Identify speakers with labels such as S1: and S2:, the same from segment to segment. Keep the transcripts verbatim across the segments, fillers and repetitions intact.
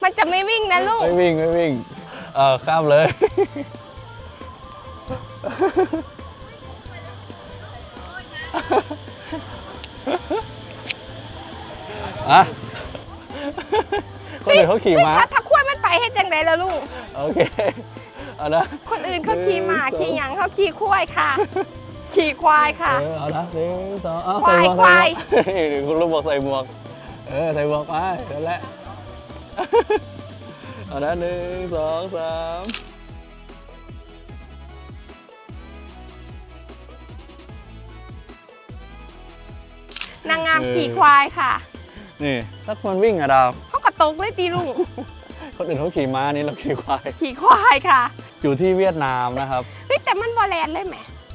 S1: มันจะไม่วิ่งนะลูก
S2: ไม่วิ่งไม่วิ่งเออข้ามเลยอะคนอื่นเขาขี่ม้า
S1: ถ้าถ้าขั้วมันไปให้จังไดแล้วลูก
S2: โอเคเอานะ
S1: คนอื่นเขาขี่ม้าขี่หยังเขาขี่ควายค่ะขี่ควายค่ะ
S2: เอาละหนึ่งสองเอา
S1: ควา
S2: ใส่
S1: ย
S2: หมวก
S1: ควาย
S2: นี่คุณลุงบอกใส่หมวกเออใส่หมวกไปนั่นแหละเอาละหนึ่งสองสาม
S1: นางงามขี่ควายค่ะ
S2: นี่ถ้าคนวิ่งอะดาว
S1: เขากระตกเลยตีลุง
S2: คนอื่นเขาขี่ม้านี่เราขี่ควาย
S1: ขี่ควายค่ะ
S2: อยู่ที่เวียดนามนะครับ
S1: เฮ้ยแต่มันบอแลนเลยแหม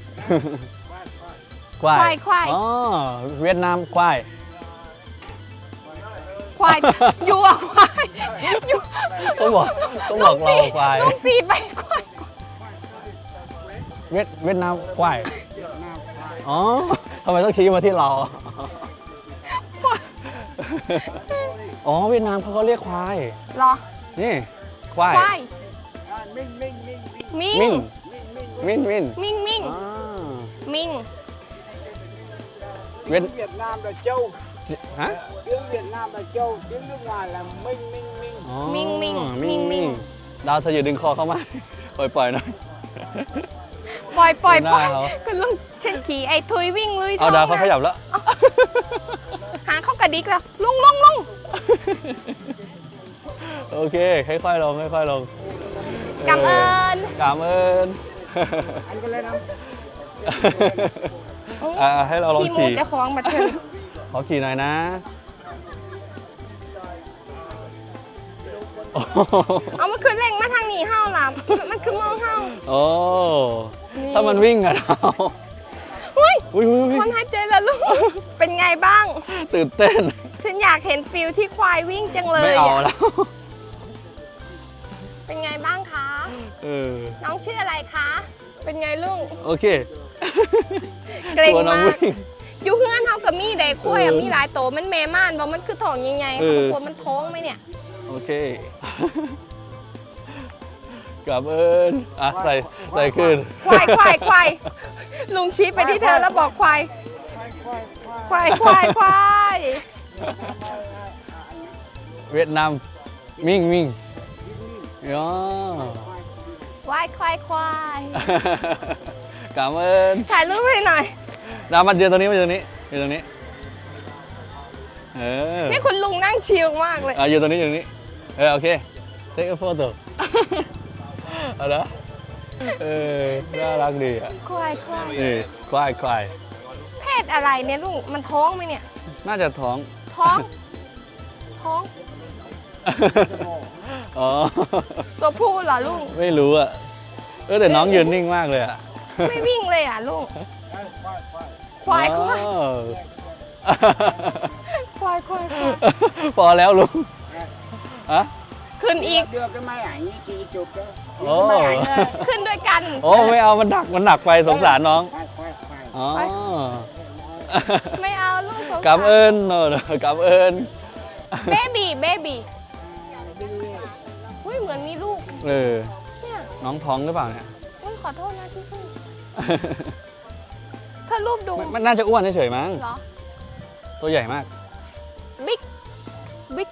S2: ควาย
S1: ควายควาย
S2: อ๋อเวียดนามควาย
S1: ควายอยู่อะควายอยู่
S2: ต้องบอกต้องบอกเราควาย
S1: ลุงสีไปควาย
S2: เวียดเวียดนามควายอ๋อทำไมต้องชี้มาที่เราอ๋อเวียดนามเขาก็เรียกควาย
S1: เหรอ
S2: นี่ควาย
S1: ควายมิงมิงมิง
S2: มิงมิง
S1: มิงมิงมิง
S2: เวียด
S3: Việt Nam là châu
S2: hả
S3: tiếng Việt Nam là châu tiếng nước ngoài là minh minh minh
S1: มิงมิงมิงมิง
S2: ดาวเธออย่าดึงคอเข้ามาปล่อยปล่อยหน่อย
S1: ปล่อยปล่อยปล่อยคุณลุงฉันขี่ไอ้ทุยวิ่งลุยท้อง
S2: เอาดาวเขาขยับแล้ว
S1: หาเขากระดิกแล้วลุงลุงลุง
S2: โอเคค่อยๆลงค่อยๆลง
S1: กำเอิญ
S2: กำเอิญ
S3: anh có lên không
S2: อ่าให้เราลองขี่
S1: ขี่จะคล้องมาเถิน
S2: ขอขี่หน่อยนะ
S1: เอามันคือเร่งมาทางนี้เฮ้าล่ะมันคือมองเฮ้า
S2: โอ้ถ้ามันวิ่งอะเรา
S1: อุ้ยคนหายใจแล้วลูกเป็นไงบ้าง
S2: ตื่นเต้น
S1: ฉันอยากเห็นฟิลที่ควายวิ่งจังเลย
S2: ไม่เอาแล้ว
S1: เป็นไงบ้างคะ
S2: เออ
S1: น้องชื่ออะไรคะเป็นไงลุง
S2: โอเค
S1: เกรงมากอยู่เฮือนเฮากับมีได้คุ้ยอ่ะมีหลายโตมันแม่ม่านบอกมันคือท้องใหญ่ๆเขากลัวมันท้องไหมเนี่ย
S2: โอเคกลับเอิญอ่ะใส่ใส่ขึ้น
S1: ควายควายควายลุงชี้ไปที่เธอแล้วบอกควายควายควายควาย
S2: เวียดนามมิงมิงอ๋อ
S1: ควายควายควาย
S2: กลับเอิญ
S1: ถ่ายรูปให้หน่อย
S2: ดาวมาเจอตรงนี้มาเจอตรงนี้อยู่ตรงนี้เออ
S1: นี่คุณลุงนั่งชิลมากเลย
S2: อ่ะอยู่ตรงนี้อยู่ตรงนี้เออโอเค take a photo เอาละเออน่ารักดีอ่ะ
S1: ควายควาย
S2: นี่ควายควาย
S1: เพศอะไรเนี่ยลุงมันท้องไหมเนี่ย
S2: น่าจะท้อง
S1: ท้องท้อง
S2: อ๋อ
S1: ตัวผู้เหรอลุง
S2: ไม่รู้อ่ะเออแต่น้องยืนนิ่งมากเลยอ่ะ
S1: ไม่วิ่งเลยอ่ะลุงควายควายควายควาย
S2: พอแล้วลุงอะ
S1: ขึ้นอีก
S3: đưa cái máy ảnh chị chụp đó
S2: โอ้
S1: ขึ้นด้วยกัน
S2: โอ้ไม่เอามันหนักมันหนักไปสงสารน้องอ๋อ
S1: ไม่เอาลูกสงสาร
S2: กำเอิญเนอะกำเอิญ
S1: เบบี้เบบี้อุ้ยเหมือนมีลูก
S2: เออน้องท้องหรือเปล่าเนี่ย
S1: อุ้ยขอโทษนะที่ขึ้นถ้ารูปดู
S2: มันน่าจะอ้วนเฉยๆมั้ง
S1: เหรอ
S2: ตัวใหญ่มาก
S1: บิ๊กบิ๊ก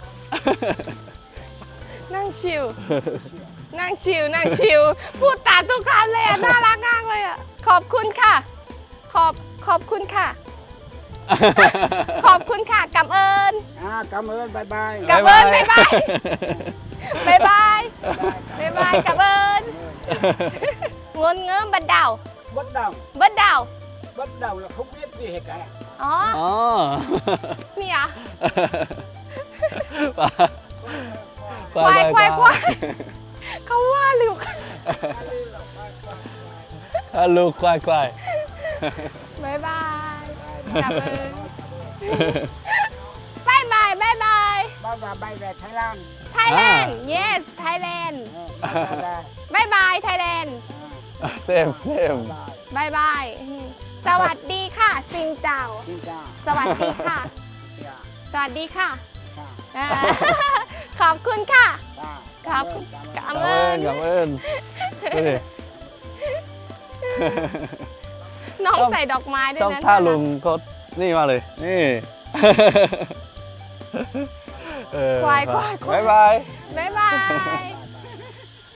S1: นั่งชิวนั่งชิวนั่งชิวพูดตามทุกคำเลยอ่ะน่ารักมากเลยอ่ะขอบคุณค่ะขอบขอบคุณค่ะขอบคุณค่ะกำเอิญ
S3: อ่ากำเอิญบายบาย
S1: กำเอิญบายบายบายบายบายบายกำเอิญงนเงื้อบัดดาว
S3: บัดดาว
S1: บัดดาว
S3: บัดดาว là không biết gì hết cả
S1: อ๋อนี่อ่ะควายควายควายเขาว่าลูก
S2: ลูกควายควาย
S1: บายบายกลับเลยบายบายบายบาย
S3: บายบายบายแบบไทยแลนด์
S1: Thailand yes Thailand บายบาย Thailand
S2: เซมเซม
S1: บายบายสวัสดีค่ะซิงเจ้าสวัสดีค่ะสวัสดีค่ะขอบคุณค่ะ
S3: ta
S1: ขอบคุณ
S3: cảm
S1: ข
S3: ơn
S1: อบ
S2: cảm
S1: คุ
S2: ơn
S1: ณ
S2: cảm ơnดูดิ
S1: น้อง
S2: ชอบ
S1: ใส่ดอกไม้ด้วย
S2: ชอบ
S1: นะ
S2: ท่าลุงเขานี่มากเลยนี่เออ
S1: ควายควายควาย
S2: บ๊ายบาย
S1: บ๊ายบาย